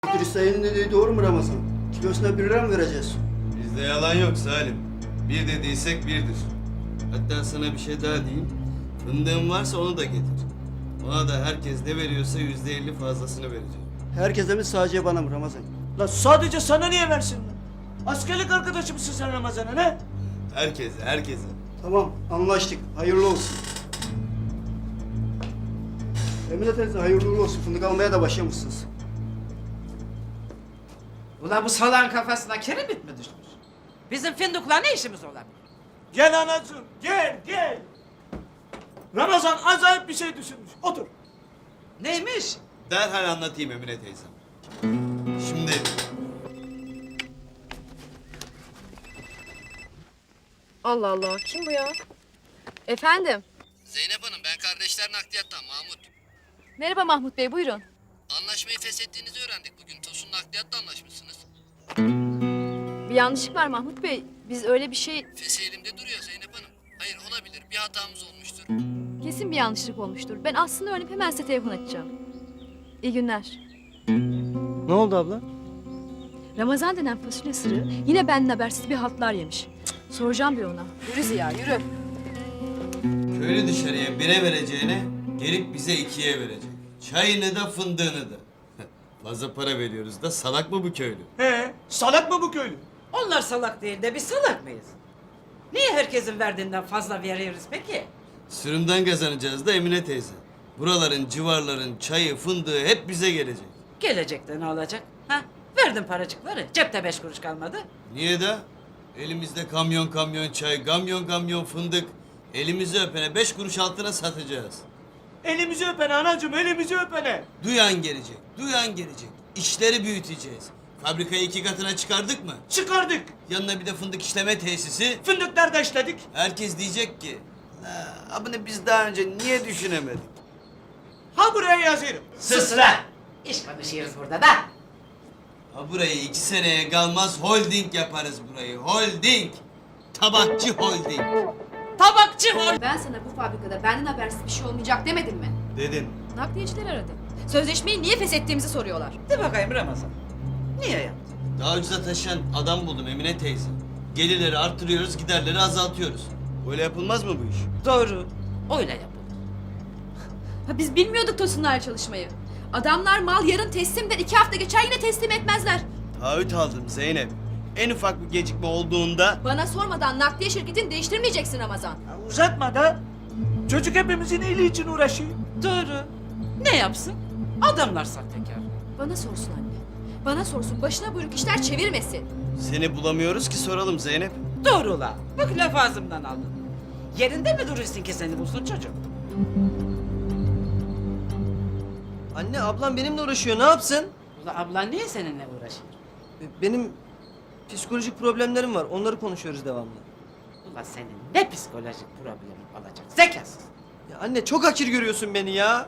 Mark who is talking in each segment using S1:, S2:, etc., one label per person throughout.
S1: Dürüst dediği doğru mu Ramazan? Kilosuna 1 lira mı vereceğiz?
S2: Bizde yalan yok Salim. Bir dediysek birdir. Hatta sana bir şey daha diyeyim. Fındığın varsa onu da getir. Ona da herkes ne veriyorsa %50 fazlasını vereceğim.
S1: Herkese mi sadece bana mı Ramazan?
S3: La sadece sana niye versin lan? Askerlik arkadaşı mısın sen Ramazan'a ne?
S2: Herkese, herkese.
S1: Tamam anlaştık. Hayırlı olsun. Emine teyze hayırlı uğurlu olsun. Fındık almaya da başlamışsınız.
S4: Ulan bu salağın kafasına kiremit mi düşmüş? Bizim fındıkla ne işimiz olabilir?
S3: Gel anacığım gel. Ramazan acayip bir şey düşünmüş. Otur.
S4: Neymiş?
S2: Derhal anlatayım Emine teyzem. Şimdi
S5: Allah Allah, kim bu ya? Efendim?
S2: Zeynep Hanım, ben kardeşler nakliyattan Mahmut.
S5: Merhaba Mahmut Bey, buyurun.
S2: Anlaşmayı feshettiğinizi öğrendik bugün. Tosun nakliyatla anlaşmışsınız.
S5: Bir yanlışlık var Mahmut Bey. Biz öyle bir şey...
S2: Fesi elimde duruyor Zeynep Hanım. Hayır, olabilir. Bir hatamız olmuştur.
S5: Kesin bir yanlışlık olmuştur. Ben aslında öğrenip hemen size telefon açacağım. İyi günler.
S1: Ne oldu abla?
S5: Ramazan denen fasulye sırrı yine benden habersiz bir haltlar yemiş. Cık, soracağım bir ona. Yürü Ziya, yürü.
S2: Köylü dışarıya 1'e vereceğine gelip bize 2'ye verecek. Çayını da fındığını da. Fazla para veriyoruz da salak mı bu köylü?
S3: He, salak mı bu köylü?
S4: Onlar salak değil de biz salak mıyız? Niye herkesin verdiğinden fazla veriyoruz peki?
S2: Sürümden kazanacağız da Emine teyze. Buraların, civarların çayı, fındığı hep bize gelecek.
S4: Gelecekte ne olacak? Ha? Verdim paracıkları. Cepte 5 kuruş kalmadı.
S2: Niye de? Elimizde kamyon kamyon çay, kamyon kamyon fındık. Elimizi öpene 5 kuruş altına satacağız.
S3: Elimizi öpene anacığım, elimizi öpene.
S2: Duyan gelecek, duyan gelecek. İşleri büyüteceğiz. Fabrikayı 2 katına çıkardık mı?
S3: Çıkardık.
S2: Yanına bir de fındık işleme tesisi.
S3: Fındıklar işledik.
S2: Herkes diyecek ki, abone biz daha önce niye düşünemedik?
S3: Ha buraya yazıyorum.
S4: Sus lan! İş konuşuyoruz burada da.
S2: Ha burayı 2 seneye kalmaz holding yaparız burayı. Holding. Tabakçı holding.
S4: Tabakçı ol!
S5: Ben sana bu fabrikada benden habersiz bir şey olmayacak demedim mi?
S2: Dedim.
S5: Nakliyeciler aradı. Sözleşmeyi niye feshettiğimizi soruyorlar.
S4: De bakayım Ramazan. Niye yaptın?
S2: Daha ucuza taşıyan adam buldum Emine teyze. Gelirleri arttırıyoruz, giderleri azaltıyoruz. Böyle yapılmaz mı bu iş?
S4: Doğru. Öyle yapılır.
S5: Ha biz bilmiyorduk Tosunlarla çalışmayı. Adamlar mal yarın teslim der, 2 hafta geçer yine teslim etmezler.
S2: Taahhüt aldım Zeynep. En ufak bir gecikme olduğunda...
S5: Bana sormadan nakliye şirketini değiştirmeyeceksin Ramazan.
S3: Ya uzatma da. Çocuk hepimizin iyiliği için uğraşıyor.
S4: Doğru. Ne yapsın? Adamlar sahtekar.
S5: Bana sorsun anne. Bana sorsun, başına buyruk işler çevirmesin.
S2: Seni bulamıyoruz ki soralım Zeynep.
S4: Doğru la. Bak laf ağzımdan aldın. Yerinde mi duruyorsun ki seni bulsun çocuk?
S6: Anne ablam benimle uğraşıyor ne yapsın?
S4: Ula ablan niye seninle uğraşıyor?
S6: Benim psikolojik problemlerim var onları konuşuyoruz devamlı.
S4: Ula senin ne psikolojik problemin olacak zekasız.
S6: Ya anne çok hakir görüyorsun beni ya.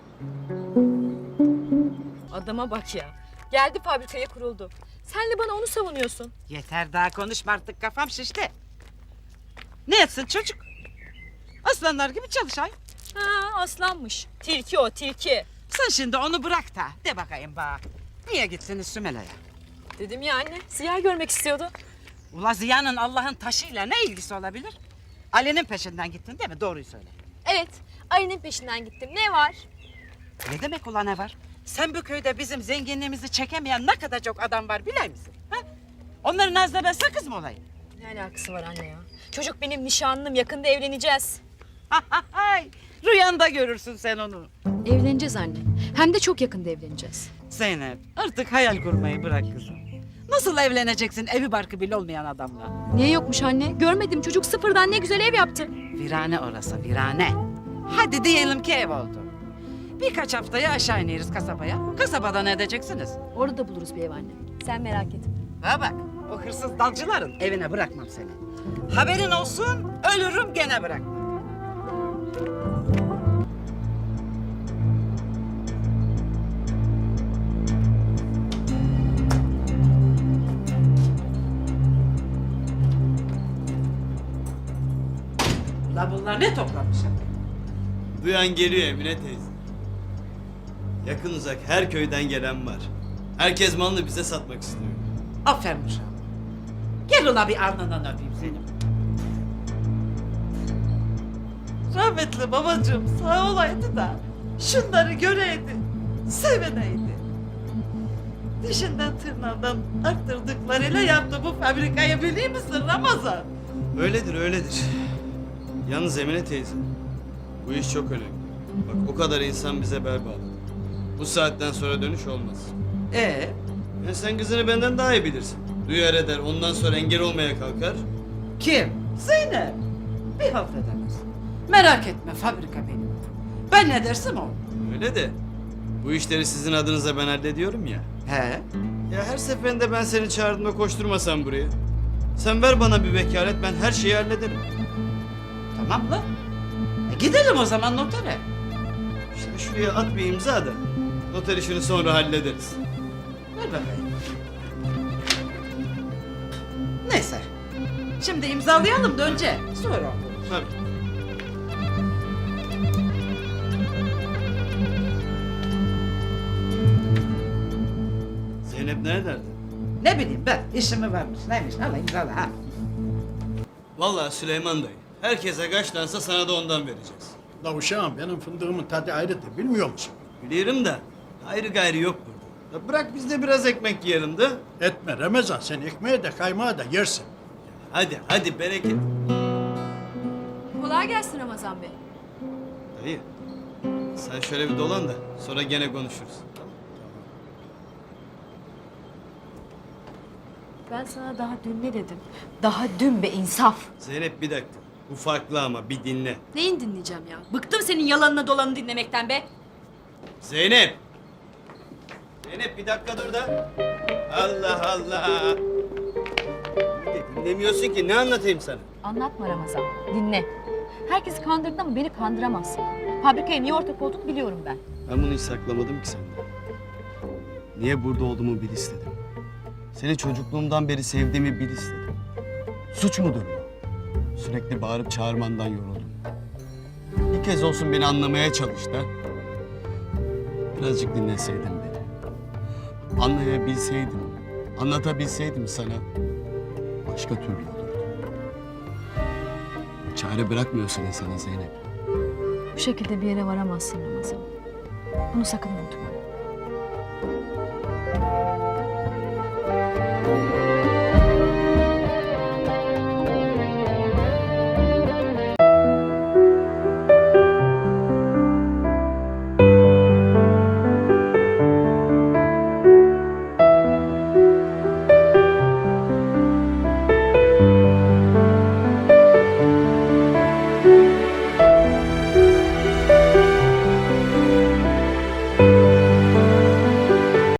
S5: Adama bak ya. Geldi fabrikaya kuruldu. Sen de bana onu savunuyorsun.
S4: Yeter daha konuşma artık kafam şişti. Ne etsin çocuk? Aslanlar gibi çalışay.
S5: Ha aslanmış. Tilki o tilki.
S4: Sen şimdi onu bırak da de bakayım bak. Niye gittiniz Sümela'ya?
S5: Dedim ya anne. Ziya görmek istiyordu.
S4: Ula Ziya'nın Allah'ın taşıyla ne ilgisi olabilir? Ali'nin peşinden gittin değil mi? Doğruyu söyle.
S5: Evet. Ayının peşinden gittim. Ne var?
S4: Ne demek ula ne var? Sen bu köyde bizim zenginliğimizi çekemeyen ne kadar çok adam var biliyor musun? Ha? Onların ağzına ben sakız mı olayım?
S5: Ne alakası var anne ya? Çocuk benim nişanlım. Yakında evleneceğiz.
S4: Hay, rüyanda görürsün sen onu.
S5: Evleneceğiz anne. Hem de çok yakında evleneceğiz.
S4: Zeynep artık hayal kurmayı bırak kızım. Nasıl evleneceksin evi barkı bile olmayan adamla?
S5: Niye yokmuş anne? Görmedim. Çocuk sıfırdan ne güzel ev yaptı.
S4: Virane orası virane. Hadi diyelim ki ev oldu. Birkaç haftaya aşağı ineriz kasabaya. Kasabada ne edeceksiniz?
S5: Orada da buluruz bir ev anne. Sen merak etme.
S4: Ha bak o hırsız dalcıların evine bırakmam seni. Haberin olsun ölürüm gene bırakmam. La bunlar ne toplamış?
S2: Duyan geliyor Emine teyze. Yakın uzak her köyden gelen var. Herkes malını bize satmak istiyor.
S4: Aferin uşağım. Gel ula bir alnından öpeyim seni. Rahmetli babacığım sağ olaydı da şunları göreydi, sevineydi. Dişinden tırnağından arttırdıklarıyla yaptı bu fabrikayı biliyor musun Ramazan?
S2: Öyledir, öyledir. Yalnız Emine teyze, bu iş çok önemli. Bak o kadar insan bize bel bağladı. Bu saatten sonra dönüş olmaz. Ya sen kızını benden daha iyi bilirsin. Duyar eder, ondan sonra engel olmaya kalkar.
S4: Kim? Zeynep. Bir halt edemez. Merak etme fabrika benim. Ben ne dersem o.
S2: Öyle de bu işleri sizin adınıza ben hallediyorum ya.
S4: He.
S2: Ya her seferinde ben seni çağırdığımda koşturmasam buraya. Sen ver bana bir vekalet, ben her şeyi hallederim.
S4: Tamam lan. Gidelim o zaman notere.
S2: İşte şuraya at bir imza da noter işini sonra hallederiz.
S4: Ver bakayım. Neyse. Şimdi imzalayalım da önce. Sonra olur.
S2: Tabii. Zeynep neredeydi?
S4: Ne bileyim ben. İşimi varmış. Neymiş? Al imzala ha.
S2: Vallahi Süleyman dayı. Herkese kaçlansa sana da ondan vereceğiz.
S7: La uşağım benim fındığımın tadı ayrıdır bilmiyor musun?
S2: Biliyorum da ayrı gayrı yok burada. Ya bırak biz de biraz ekmek yiyelim de.
S7: Etme Ramazan sen ekmeği de kaymağı da yersin.
S2: Hadi hadi bereket.
S5: Kolay gelsin Ramazan Bey.
S2: Dayı sen şöyle bir dolan da sonra gene konuşuruz. Tamam.
S5: Ben sana daha dün ne dedim? Daha dün be insaf.
S2: Zeynep bir dakika. Bu farklı ama bir dinle.
S5: Neyin dinleyeceğim ya? Bıktım senin yalanını dolanını dinlemekten be.
S2: Zeynep! Zeynep bir dakika dur da. Allah Allah! Dinlemiyorsun ki ne anlatayım sana?
S8: Anlatma Ramazan, dinle. Herkesi kandırdın ama beni kandıramazsın. Fabrikaya niye ortak olduk biliyorum ben.
S2: Ben bunu hiç saklamadım ki senden. Niye burada olduğumu bil istedim. Seni çocukluğumdan beri sevdiğimi bil istedim. Suç mudur bu? Sürekli bağırıp çağırmandan yoruldum. Bir kez olsun beni anlamaya çalış da. Birazcık dinleseydin beni. Anlayabilseydim, anlatabilseydim sana başka türlü olurdu. Çare bırakmıyorsun insana Zeynep.
S8: Bu şekilde bir yere varamazsın Ramazan. Bunu sakın unutma.